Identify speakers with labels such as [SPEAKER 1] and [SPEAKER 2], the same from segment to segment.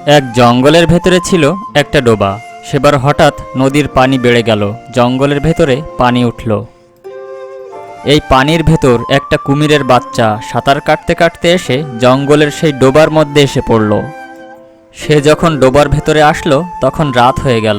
[SPEAKER 1] এক জঙ্গলের ভেতরে ছিল একটা ডোবা। সেবার হঠাৎ নদীর পানি বেড়ে গেল, জঙ্গলের ভেতরে পানি উঠল। এই পানির ভেতর একটা কুমিরের বাচ্চা সাঁতার কাটতে কাটতে এসে জঙ্গলের সেই ডোবার মধ্যে এসে পড়ল। সে যখন ডোবার ভেতরে আসলো তখন রাত হয়ে গেল।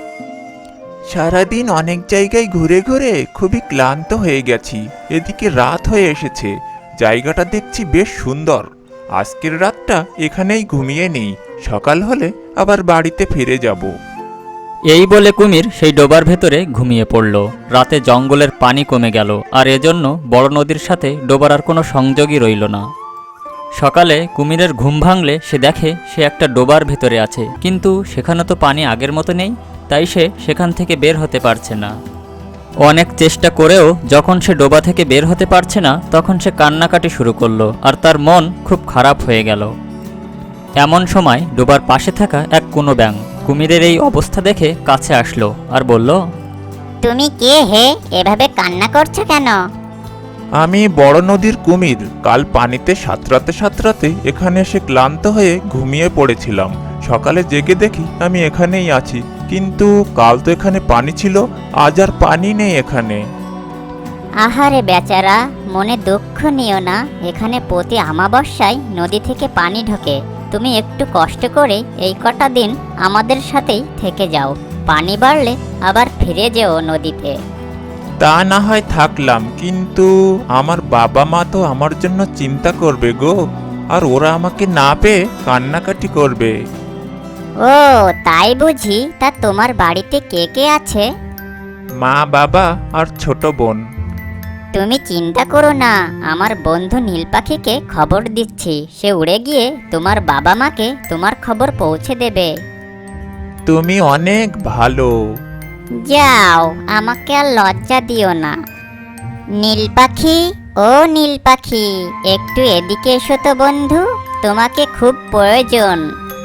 [SPEAKER 2] সারাদিন অনেক জায়গায় ঘুরে ঘুরে খুবই ক্লান্ত হয়ে গেছি, এদিকে রাত হয়ে এসেছে। জায়গাটা দেখছি বেশ সুন্দর। আজকের রাতটা এখানেই ঘুমিয়ে নেই, সকাল হলে আবার বাড়িতে ফিরে যাব।
[SPEAKER 1] এই বলে কুমির সেই ডোবার ভেতরে ঘুমিয়ে পড়ল। রাতে জঙ্গলের পানি কমে গেল, আর এজন্য বড় নদীর সাথে ডোবার আর কোনো সংযোগই রইল না। সকালে কুমিরের ঘুম ভাঙলে সে দেখে সে একটা ডোবার ভেতরে আছে, কিন্তু সেখানে তো পানি আগের মতো নেই, তাই সে সেখান থেকে বের হতে পারছে না। অনেক চেষ্টা করেও যখন সে ডোবা থেকে বের হতে পারছে না, তখন সে কান্নাকাটি শুরু করলো, আর তার মন খুব খারাপ হয়ে গেল। এমন সময় ডোবার পাশে থাকা এক কোনো ব্যাঙ কুমিরের এই অবস্থা দেখে কাছে আসলো আর বলল,
[SPEAKER 3] তুমি কে হে, এভাবে কান্না করছো কেন?
[SPEAKER 2] আমি বড় নদীর কুমির। কাল পানিতে সাঁতরাতে সাঁতরাতে এখানে এসে ক্লান্ত হয়ে ঘুমিয়ে পড়েছিলাম। সকালে জেগে দেখি আমি এখানেই আছি, কিন্তু কাল তো এখানে পানি ছিল, আজ আর পানি নেই এখানে।
[SPEAKER 3] আহারে বেচারা, মনে দুঃখ নিও না। এখানে প্রতি অমাবস্যায় নদী থেকে পানি ঢোকে। তুমি একটু কষ্ট করে এই কটা দিন আমাদের সাথেই থেকে যাও। পানি বাড়লে আবার ফিরে যেও নদীতে।
[SPEAKER 2] তা না হয় থাকলাম, কিন্তু আমার বাবা মা তো আমার জন্য চিন্তা করবে গো, আর ওরা আমাকে না পেয়ে কান্নাকাটি করবে।
[SPEAKER 3] ও তাই বুঝি? তা তোমার বাড়িতে কে কে আছে?
[SPEAKER 2] মা, বাবা আর ছোট বোন।
[SPEAKER 3] তুমি চিন্তা করো না, আমার বন্ধু নীল পাখিকে খবর দিচ্ছি। সে উড়ে গিয়ে তোমার বাবা মাকে তোমার খবর পৌঁছে দেবে।
[SPEAKER 2] তুমি অনেক ভালো।
[SPEAKER 3] যাও, আমাকে আর লজ্জা দিও না। নীল পাখি, ও নীল পাখি, একটু এদিকে এসো তো বন্ধু, তোমাকে খুব প্রয়োজন।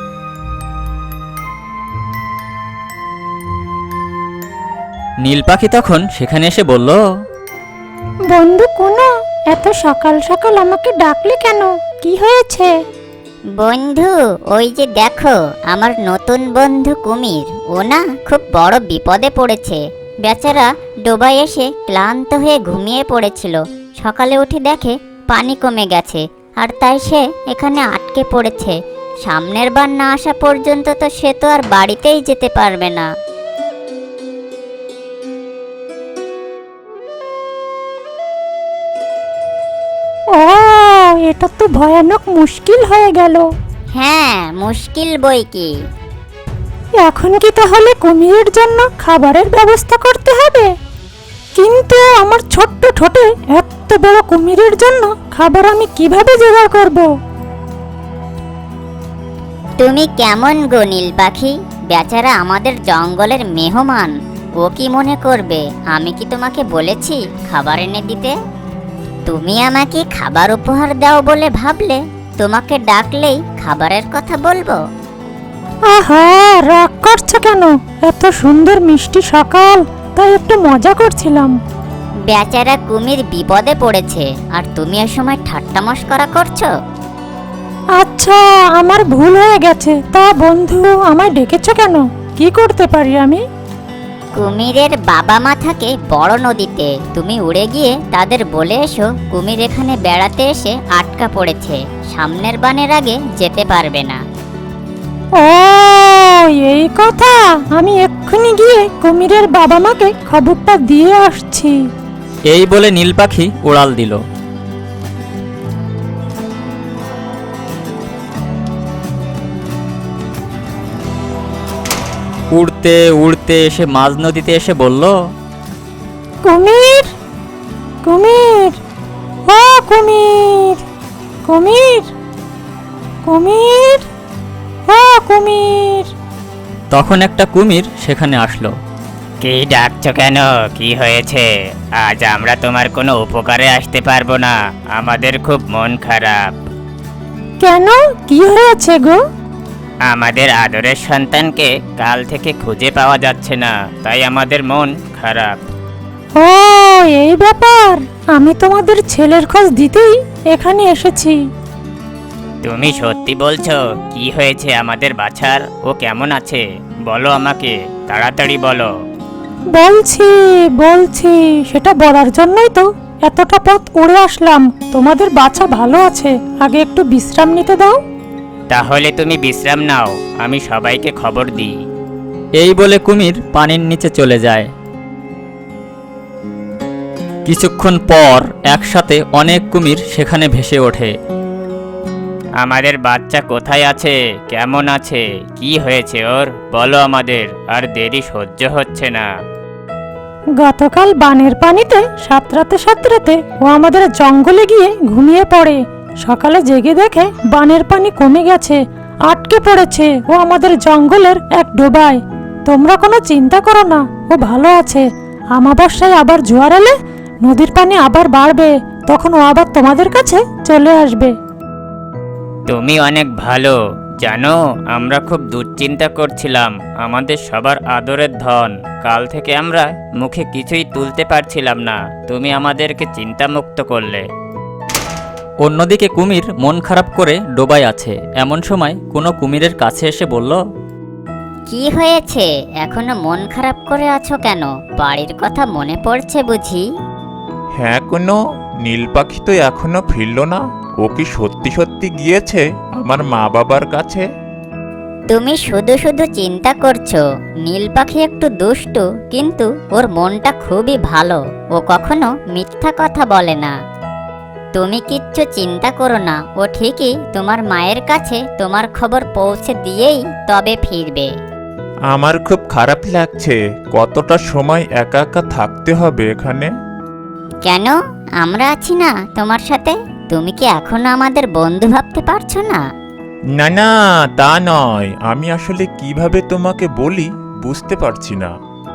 [SPEAKER 1] নীল পাখি তখন সেখানে এসে বলল,
[SPEAKER 4] বন্ধু কোনো, এত সকাল সকাল আমাকে ডাকলে কেন? কি হয়েছে?
[SPEAKER 3] বন্ধু, ওই যে দেখো আমার নতুন বন্ধু কুমির, ও না খুব বড় বিপদে পড়েছে। বেচারা ডোবায় এসে ক্লান্ত হয়ে ঘুমিয়ে পড়েছিল। সকালে উঠে দেখে পানি কমে গেছে, আর তাই সে এখানে আটকে পড়েছে। সামনের বার না আসা পর্যন্ত তো সে তো আর বাড়িতেই যেতে পারবে না।
[SPEAKER 4] ও, এটা তো ভয়ানক মুশকিল হয়ে গেল।
[SPEAKER 3] হ্যাঁ, মুশকিল বই কি।
[SPEAKER 4] এখন কি তাহলে কুমিরের জন্য খাবারের ব্যবস্থা করতে হবে? কিন্তু আমার ছোট্ট ঠোঁটে এত বড় কুমিরের জন্য খাবার আমি কিভাবে জোগাড় করব?
[SPEAKER 3] তুমি কেমন গো নীল পাখি? বেচারা আমাদের জঙ্গলের মেহমান, ও কি মনে করবে? আমি কি তোমাকে বলেছি খাবার এনে দিতে? তুমি আমাকে খাবার উপহার দাও বলে ভাবলে তোমাকে ডাকলেই খাবারের কথা বলবো?
[SPEAKER 4] আহা, রাগ করছো কেন? এত সুন্দর মিষ্টি সকাল, তাই একটু মজা করছিলাম।
[SPEAKER 3] বেচারা কুমির বিপদে পড়েছে, আর তুমি এ সময় ঠাট্টা মশকরা করছো?
[SPEAKER 4] আচ্ছা, আমার ভুল হয়ে গেছে। তা বন্ধু, আমায় ডেকেছো কেন? কি করতে পারি আমি?
[SPEAKER 3] কুমিরের বাবা মা থাকে বড় নদীতে। তুমি উড়ে গিয়ে তাদের বলে এসো কুমির এখানে বেড়াতে এসে আটকা পড়েছে, সামনের বানের আগে যেতে পারবে না।
[SPEAKER 4] ও, এই কথা! আমি এক্ষুনি গিয়ে কুমিরের বাবা মাকে খবরটা দিয়ে আসছি।
[SPEAKER 1] এই বলে নীল পাখি উড়াল দিল। উড়তে উড়তে এসে মাঝ নদীতে এসে বলল,
[SPEAKER 4] কুমির, কুমির, ও কুমির, কুমির, কুমির, ও কুমির।
[SPEAKER 1] তখন একটা কুমির সেখানে আসলো।
[SPEAKER 5] কি ডাকছো কেন? কি হয়েছে? আজ আমরা তোমার কোনো উপকারে আসতে পারবো না, আমাদের খুব মন খারাপ।
[SPEAKER 4] কেন, কি হয়েছে গো?
[SPEAKER 5] আমাদের আদরের সন্তানকে কাল থেকে খুঁজে পাওয়া যাচ্ছে না, তাই আমাদের মন খারাপ।
[SPEAKER 4] ও, এই ব্যাপার! আমি তোমাদের ছেলের খোঁজ দিতেই এখানে এসেছি।
[SPEAKER 5] তুমি সত্যি বলছো? কি হয়েছে আমাদের বাছার? ও কেমন আছে বলো আমাকে, তাড়াতাড়ি বলো।
[SPEAKER 4] বলছি বলছি সেটা বলার জন্যই তো এতটা পথ উড়ে আসলাম। তোমাদের বাচ্চা ভালো আছে, আগে একটু বিশ্রাম নিতে দাও।
[SPEAKER 5] তাহলে তুমি বিশ্রাম নাও, আমি সবাইকে খবর দিই।
[SPEAKER 1] এই বলে কুমির পানির নিচে চলে যায়। কিছুক্ষণ পর একসাথে অনেক কুমির সেখানে ভেসে ওঠে।
[SPEAKER 5] আমাদের বাচ্চা কোথায় আছে, কেমন আছে, কি হয়েছে ওর বলো আমাদের, আর দেরি সহ্য হচ্ছে না।
[SPEAKER 4] গতকাল বানের পানিতে সাঁতরাতে ও আমাদের জঙ্গলে গিয়ে ঘুমিয়ে পড়ে। সকালে জেগে দেখে বানের পানি কমে গেছে, আটকে পড়েছে ও আমাদের জঙ্গলের এক ডোবায়। তোমরা কোনো চিন্তা করো না, ও ভালো আছে। আমাবস্যায় আবার জোয়ার এলে নদীর পানি আবার বাড়বে, তখন ও আবার তোমাদের কাছে চলে আসবে।
[SPEAKER 5] তুমি অনেক ভালো জানো, আমরা খুব দুশ্চিন্তা করছিলাম। আমাদের সবার আদরের ধন, কাল থেকে আমরা মুখে কিছুই তুলতে পারছিলাম না, তুমি আমাদেরকে চিন্তামুক্ত করলে।
[SPEAKER 1] অন্যদিকে কুমির মন খারাপ করে ডোবায় আছে। এমন সময় কোনো কুমিরের কাছে এসে বলল,
[SPEAKER 3] কি হয়েছে, এখনো মন খারাপ করে আছো কেন? বাড়ির কথা মনে পড়ছে বুঝি?
[SPEAKER 2] হ্যাঁ, কোনো নীল পাখি তো এখনো ফিরল না। ও কি সত্যি সত্যি গিয়েছে আমার মা বাবার কাছে?
[SPEAKER 3] তুমি শুধু শুধু চিন্তা করছো। নীল পাখি একটু দুষ্টু, কিন্তু ওর মনটা খুবই ভালো। ও কখনো মিথ্যা কথা বলে না। তুমি কিচ্ছু চিন্তা করো না, ও ঠিকই তোমার মায়ের কাছে তোমার খবর পৌঁছে দিয়েই তবে ফিরবে।
[SPEAKER 2] আমার খুব খারাপ লাগছে। কতটা সময় একা একা থাকতে হবে এখানে?
[SPEAKER 3] কেন, আমরা আছি না তোমার সাথে? তুমি কি এখনো আমাদের বন্ধু ভাবতে পারছো না?
[SPEAKER 2] না না, তা নয়। আমি আসলে কিভাবে তোমাকে বলি বুঝতে পারছি না।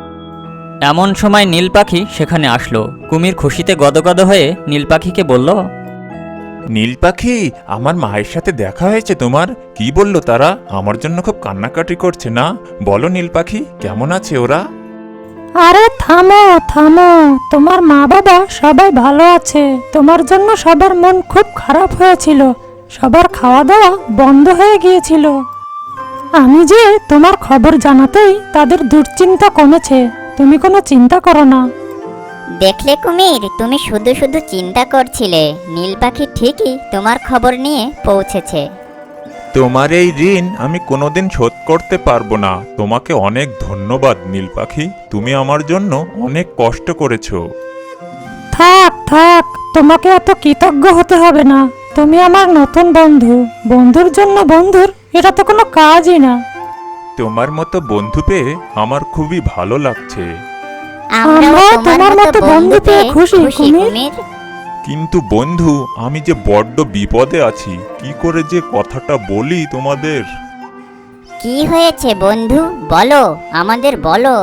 [SPEAKER 1] এমন সময় নীল পাখি সেখানে আসলো। কুমির খুশিতে গদগদ হয়ে নীল পাখিকে বলল,
[SPEAKER 2] নীল পাখি, আমার মায়ের সাথে দেখা হয়েছে তোমার? কি বললো তারা? আমার জন্য খুব কান্নাকাটি করছে না? বলো নীল পাখি, কেমন আছে ওরা?
[SPEAKER 4] আরে থামো থামো, তোমার মা বাবা সবাই ভালো আছে। তোমার জন্য সবার মন খুব খারাপ হয়েছিল, সবার খাওয়া দাওয়া বন্ধ হয়ে গিয়েছিল। আমি যে তোমার খবর জানাতেই তাদের দুশ্চিন্তা কমেছে। তুমি কোনো চিন্তা করো না।
[SPEAKER 3] দেখলে কুমির, তুমি শুধু শুধু চিন্তা করছিলে। নীল পাখি ঠিকই তোমার খবর নিয়ে পৌঁছেছে।
[SPEAKER 2] তোমার এই ঋণ আমি কোনোদিন শোধ করতে পারবো না। তোমাকে অনেক ধন্যবাদ নীল পাখি, তুমি আমার জন্য অনেক কষ্ট করেছো।
[SPEAKER 4] থাক থাক, তোমাকে এত কৃতজ্ঞ হতে হবে না। তুমি আমার নতুন বন্ধু। বন্ধুর জন্য বন্ধুর এটা তো কোনো কাজই না।
[SPEAKER 2] তোমার মতো বন্ধু পেয়ে আমার খুবই ভালো লাগছে।
[SPEAKER 3] আমরাও তোমার মতো বন্ধু পেয়ে খুশি কুমির।
[SPEAKER 2] কিন্তু বন্ধু, আমি যে বড্ড বিপদে আছি। কি করে যে কথাটা বলি তোমাদের?
[SPEAKER 3] কি হয়েছে বন্ধু, বলো আমাদের বলো।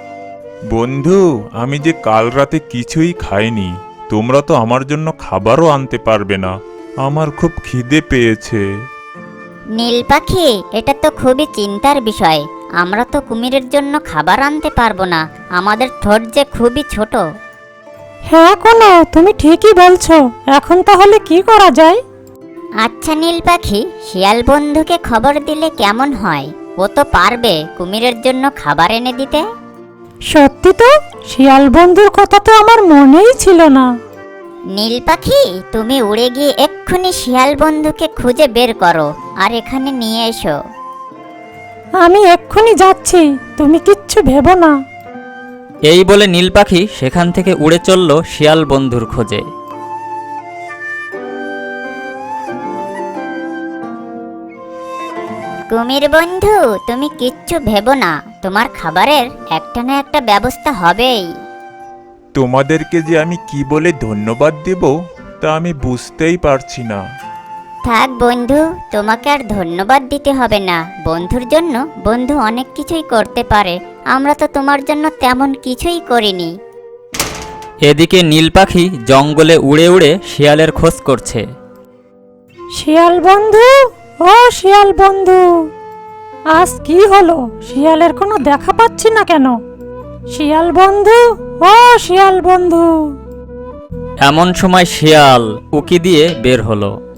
[SPEAKER 2] বন্ধু, আমি যে কাল রাতে কিছুই খাইনি। তোমরা তো আমার জন্য খাবারও আনতে পারবে না। আমার খুব খিদে পেয়েছে।
[SPEAKER 3] নীল পাখি, এটা তো খুবই চিন্তার বিষয়। আমরা তো কুমিরের জন্য খাবার আনতে পারবো না, আমাদের ঠোঁট যে খুবই ছোট।
[SPEAKER 4] হ্যাঁ কোনো, তুমি ঠিকই বলছো। এখন তাহলে কি করা যায়?
[SPEAKER 3] আচ্ছা নীল পাখি, শিয়াল বন্ধুকে খবর দিলে কেমন হয়? ও তো পারবে কুমিরের জন্য খাবার এনে দিতে।
[SPEAKER 4] সত্যি তো, শিয়াল বন্ধুর কথা তো আমার মনেই ছিল না।
[SPEAKER 3] নীল পাখি, তুমি উড়ে গিয়ে এক্ষুনি শিয়াল বন্ধুকে খুঁজে বের করো আর এখানে নিয়ে এসো।
[SPEAKER 4] আমি এক্ষুনি যাচ্ছি, তুমি কিচ্ছু ভেবো না।
[SPEAKER 1] এই বলে নীল পাখি সেখান থেকে উড়ে চলল শিয়াল বন্ধুর খোঁজে।
[SPEAKER 3] কুমির বন্ধু, তুমি কিচ্ছু ভেবো না, তোমার খাবারের একটা না একটা ব্যবস্থা হবেই।
[SPEAKER 2] তোমাদেরকে যে আমি কি বলে ধন্যবাদ দেব তা আমি বুঝতেই পারছি না।
[SPEAKER 3] থাক বন্ধু, তোমাকে আর ধন্যবাদ দিতে হবে না। বন্ধুর জন্য বন্ধু অনেক কিছুই করতে পারে। আমরা তো তোমার জন্য তেমন কিছুই করিনি।
[SPEAKER 1] এদিকে নীল পাখি জঙ্গলে উড়ে উড়ে শিয়ালের খোঁজ করছে।
[SPEAKER 4] শিয়াল বন্ধু, ও শিয়াল বন্ধু, আজ কি হলো? শিয়ালের কোনো দেখা পাচ্ছি না কেন? শিয়াল বন্ধু, ও শিয়াল বন্ধু।
[SPEAKER 1] এমন সময় শিয়াল উকি দিয়ে বের হলো।